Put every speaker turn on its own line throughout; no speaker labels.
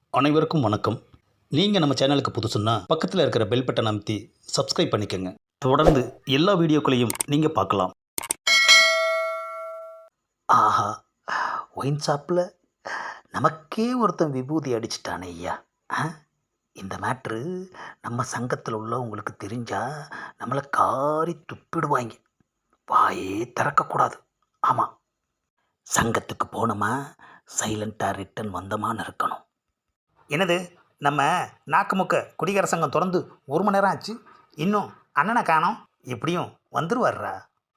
அனைவருக்கும் வணக்கம். நீங்கள் நம்ம சேனலுக்கு புதுசுன்னா பக்கத்தில் இருக்கிற பெல் பட்டனை அமைத்தி சப்ஸ்கிரைப் பண்ணிக்கோங்க. தொடர்ந்து எல்லா வீடியோக்களையும் நீங்கள் பார்க்கலாம். ஆஹா, ஒயின் ஷாப்பில் நமக்கே ஒருத்தன் விபூதி அடிச்சிட்டானே ஐயா. இந்த மேட்ரு நம்ம சங்கத்தில் உள்ளவங்களுக்கு தெரிஞ்சா நம்மளை காரி துப்பிடுவாங்க. வாயே திறக்கக்கூடாது. ஆமாம், சங்கத்துக்கு போனோமா சைலண்ட்டாக ரிட்டன் வந்தோமான்னு இருக்கணும். என்னது, நம்ம நாக்குமுக்க குடிகார சங்கம் திறந்து 1 மணி நேரம் ஆச்சு, இன்னும் அண்ணனை காணோம். எப்படியும் வந்துருவார்ரா.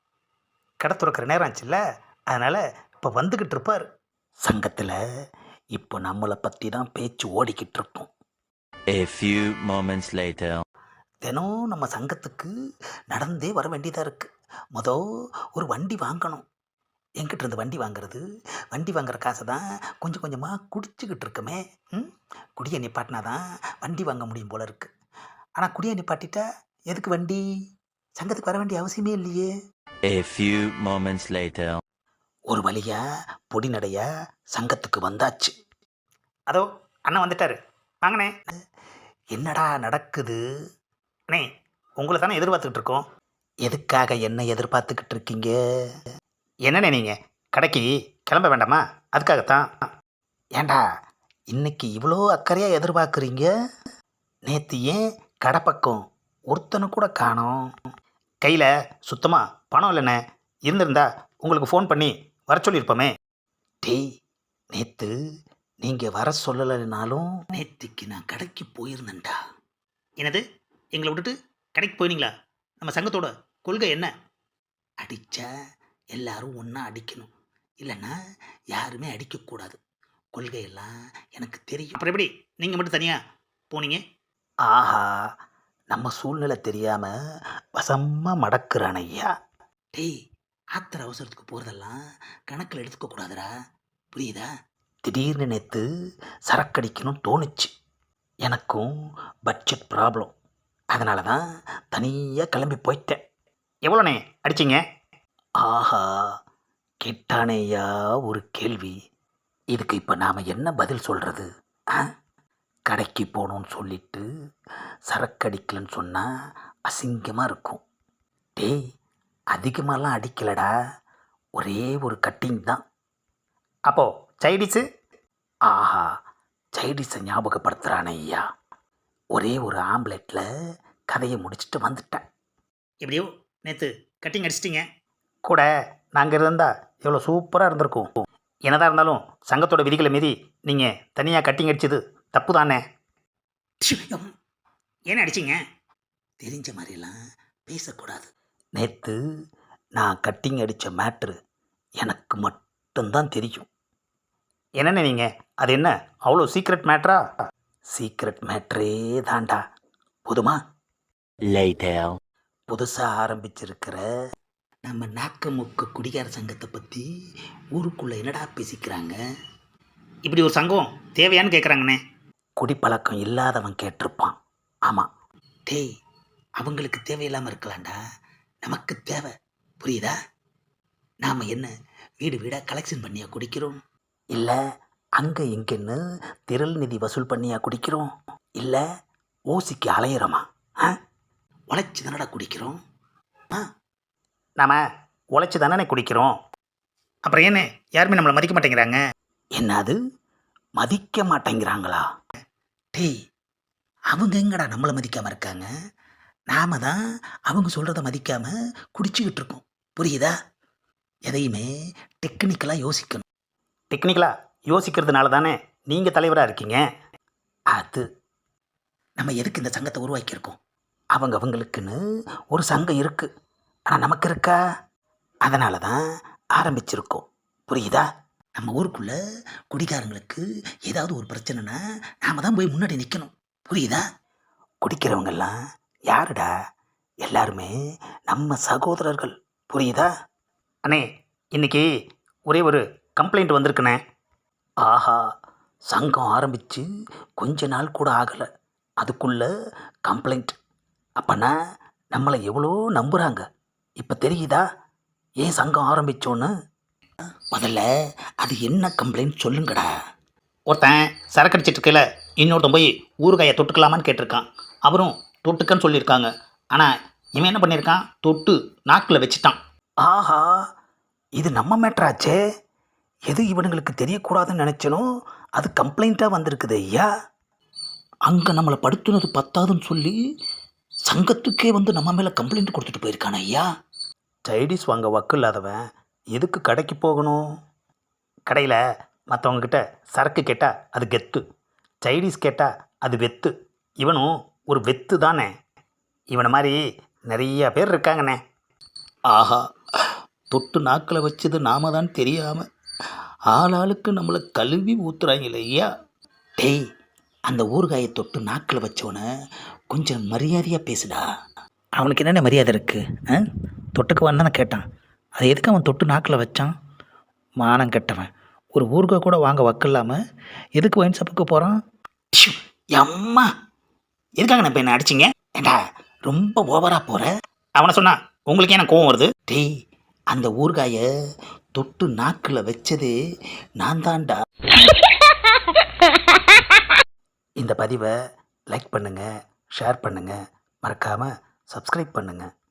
கடை துறக்கிற நேரம் ஆச்சுல்ல, அதனால் இப்போ வந்துக்கிட்டு இருப்பார். சங்கத்தில் இப்போ நம்மளை பற்றி தான் பேச்சு ஓடிக்கிட்டு இருக்கோம்.
A few moments later.
தினம் நம்ம சங்கத்துக்கு நடந்தே வர வேண்டியதாக இருக்குது. ஒரு வண்டி வாங்கணும். என்கிட்ட இருந்து வண்டி வாங்குறது, வண்டி வாங்குற காசை தான் கொஞ்சம் கொஞ்சமாக குடிச்சிக்கிட்டு இருக்கமே. குடியை நிப்பாட்டினா தான் வண்டி வாங்க முடியும் போல இருக்கு. ஆனால் குடியை நிப்பாட்டிட்டா எதுக்கு வண்டி? சங்கத்துக்கு வர வேண்டிய அவசியமே இல்லையே.
A few moments later.
ஒரு வழியா பொடி நடையா சங்கத்துக்கு வந்தாச்சு. அதோ அண்ணன் வந்துட்டாரு, வாங்கண்ணே. என்னடா நடக்குது? அண்ணே, உங்களை தானே எதிர்பார்த்துக்கிட்டு இருக்கோம். எதுக்காக என்ன எதிர்பார்த்துக்கிட்டு இருக்கீங்க? என்னண்ணே, நீங்கள் கடைக்கு கிளம்ப வேண்டாமா? அதுக்காகத்தான். ஏண்டா இன்னைக்கு இவ்வளோ அக்கறையாக எதிர்பார்க்குறீங்க? நேற்று ஏன் கடை பக்கம் ஒருத்தனை கூட காணோம்? கையில் சுத்தமாக பணம் இல்லைண்ணே. இருந்திருந்தா உங்களுக்கு ஃபோன் பண்ணி வர சொல்லியிருப்போமே. டேய், நேற்று நீங்கள் வர சொல்லலைனாலும் நேற்றுக்கு நான் கடைக்கு போயிருந்தேன்டா. என்னது, எங்களை விட்டுட்டு கடைக்கு போயினீங்களா? நம்ம சங்கத்தோட கொள்கை என்ன? அடித்தா எல்லாரும் ஒன்றா அடிக்கணும், இல்லைன்னா யாருமே அடிக்கக்கூடாது. கொள்கையெல்லாம் எனக்கு தெரியும். அப்புறம் எப்படி நீங்கள் மட்டும் தனியாக போனீங்க? ஆஹா, நம்ம சூழ்நிலை தெரியாமல் வசமாக மடக்குறான் ஐயா. டேய், ஆத்திர அவசரத்துக்கு போகிறதெல்லாம் கணக்கில் எடுத்துக்கக்கூடாதுடா, புரியுதா? திடீர்னு நேற்று சரக்கடிக்கணும்னு தோணுச்சு. எனக்கும் பட்ஜெட் ப்ராப்ளம், அதனால தான் தனியாக கிளம்பி போயிட்டேன். எவ்வளோண்ணே அடிச்சிங்க? ஆஹா, கேட்டானேயா ஒரு கேள்வி. இதுக்கு இப்போ நாம் என்ன பதில் சொல்கிறது? கடைக்கு போகணுன்னு சொல்லிட்டு சரக்கடிக்கலன்னு சொன்னால் அசிங்கமாக இருக்கும். டேய், அதிகமாகலாம் அடிக்கலடா, ஒரே ஒரு கட்டிங் தான். அப்போது சைடிஸு? ஆஹா, சைடிஸை ஞாபகப்படுத்துகிறானே ஐயா. ஒரே ஒரு ஆம்லெட்டில் கதையை முடிச்சுட்டு வந்துட்டேன். எப்படியோ நேற்று கட்டிங் அடிச்சிட்டிங்க. கூட நாங்கள் இருந்தால் எவ்வளோ சூப்பராக இருந்திருக்கும். என்னதான் இருந்தாலும் சங்கத்தோட விதிகளை மீறி நீங்கள் தனியாக கட்டிங் அடிச்சது தப்பு தானே. ஏன் அடிச்சிங்க? தெரிஞ்ச மாதிரிலாம் பேசக்கூடாது. நேற்று நான் கட்டிங் அடித்த மேட்ரு எனக்கு மட்டும்தான் தெரியும். என்னென்ன நீங்கள், அது என்ன அவ்வளோ சீக்ரெட் மேட்ரா? சீக்ரெட் மேட்ரே தாண்டா. போதுமா?
Later.
புதுசாக ஆரம்பிச்சிருக்கிற நம்ம நாக்கமுக்க குடிகார சங்கத்தை பற்றி ஊருக்குள்ளே என்னடா பேசிக்கிறாங்க? இப்படி ஒரு சங்கம் தேவையான்னு கேட்குறாங்கண்ணே. குடிப்பழக்கம் இல்லாதவன் கேட்டிருப்பான். ஆமாம். டேய், அவங்களுக்கு தேவையில்லாமல் இருக்கலாம்டா, நமக்கு தேவை, புரியுதா? நாம் என்ன வீடு வீடாக கலெக்ஷன் பண்ணியா குடிக்கிறோம்? இல்லை அங்கே இங்கேன்னு திரள் நிதி வசூல் பண்ணியா குடிக்கிறோம்? இல்லை ஓசிக்கு அலையிறோமா? உழைச்சி தானடா குடிக்கிறோம். நாம் உழைச்சி தானே குடிக்கிறோம். அப்புறம் என்ன யாருமே நம்மளை மதிக்க மாட்டேங்கிறாங்க? என்னது, மதிக்க மாட்டேங்கிறாங்களா? டேய், அவங்க எங்கடா நம்மளை மதிக்காமல் இருக்காங்க? நாம தான் அவங்க சொல்கிறத மதிக்காமல் குடிச்சிக்கிட்டு இருக்கோம், புரியுதா? எதையுமே டெக்னிக்கலாக யோசிக்கணும். டெக்னிக்கலாக யோசிக்கிறதுனால தானே நீங்கள் தலைவராக இருக்கீங்க. அது நம்ம எதுக்கு இந்த சங்கத்தை உருவாக்கியிருக்கோம்? அவங்களுக்குன்னு ஒரு சங்கம் இருக்குது, ஆனால் நமக்கு இருக்கா? அதனால தான் ஆரம்பிச்சிருக்கோம், புரியுதா? நம்ம ஊருக்குள்ளே குடிக்காரங்களுக்கு ஏதாவது ஒரு பிரச்சனைனா நாம் தான் போய் முன்னாடி நிற்கணும், புரியுதா? குடிக்கிறவங்கெல்லாம் யாருடா? எல்லாருமே நம்ம சகோதரர்கள், புரியுதா? அண்ணே, இன்னைக்கு ஒரே ஒரு கம்ப்ளைண்ட் வந்திருக்குண்ணே. ஆஹா, சங்கம் ஆரம்பித்து கொஞ்ச நாள் கூட ஆகலை, அதுக்குள்ளே கம்ப்ளைண்ட். அப்போனா நம்மளை எவ்வளோ நம்புகிறாங்க. இப்போ தெரியுதா ஏன் சங்கம் ஆரம்பித்தோன்னு? முதல்ல அது என்ன கம்ப்ளைண்ட் சொல்லுங்கடா. ஒருத்தன் சரக்கு அடிச்சிட்டு இருக்கல இன்னொருத்தன் போய் ஊறுகாயை தொட்டுக்கலாமான்னு கேட்டிருக்கான். அவரும் தொட்டுக்கன்னு சொல்லியிருக்காங்க. ஆனால் இவன் என்ன பண்ணியிருக்கான், தொட்டு நாக்கில் வச்சிட்டான். ஆஹா, இது நம்ம மேட்ராச்சே. எது இவனுங்களுக்கு தெரியக்கூடாதுன்னு நினச்சனோ அது கம்ப்ளைண்ட்டாக வந்திருக்குது ஐயா. அங்கே நம்மளை படுத்துனது பத்தாதுன்னு சொல்லி சங்கத்துக்கே வந்து நம்ம மேலே கம்ப்ளைண்ட் கொடுத்துட்டு போயிருக்கானே ஐயா. சைடிஸ் வாங்க வக்கு இல்லாதவன் எதுக்கு கடைக்கு போகணும்? கடையில் மற்றவங்கக்கிட்ட சரக்கு கேட்டால் அது கெத்து, சைடிஸ் கேட்டால் அது வெத்து. இவனும் ஒரு வெத்து தானே. இவனை மாதிரி நிறைய பேர் இருக்காங்கண்ணே. ஆஹா, தொட்டு நாக்கில் வச்சது நாம தான் தெரியாமல் ஆளாளுக்கு நம்மளை கழுவி ஊத்துறாங்களே ஐயா. டேய், அந்த ஊறுகாயை தொட்டு நாக்கில் வச்சவனை கொஞ்சம் மரியாதையாக பேசுடா. அவனுக்கு என்னென்ன மரியாதை இருக்குது? தொட்டுக்கு தானே கேட்டான், அதை எதுக்கு அவன் தொட்டு நாக்கில் வச்சான்? மானம் கெட்டவன். ஒரு ஊறுகாய் கூட வாங்க வக்கில்லாமல் எதுக்கு ஒயின் ஷாப்புக்கு போகிறான்? அம்மா, எதுக்காக நான் இப்போ என்ன அடிச்சிங்க? ஏண்டா ரொம்ப ஓவராக போகிற. அவனை சொன்னா உங்களுக்கு என்ன கோவம் வருது? டேய், அந்த ஊறுகாயை தொட்டு நாக்கில் வச்சது நான் தான்டா. இந்த பதிவை லைக் பண்ணுங்கள், ஷேர் பண்ணுங்கள், மறக்காமல் சப்ஸ்கிரைப் பண்ணுங்கள்.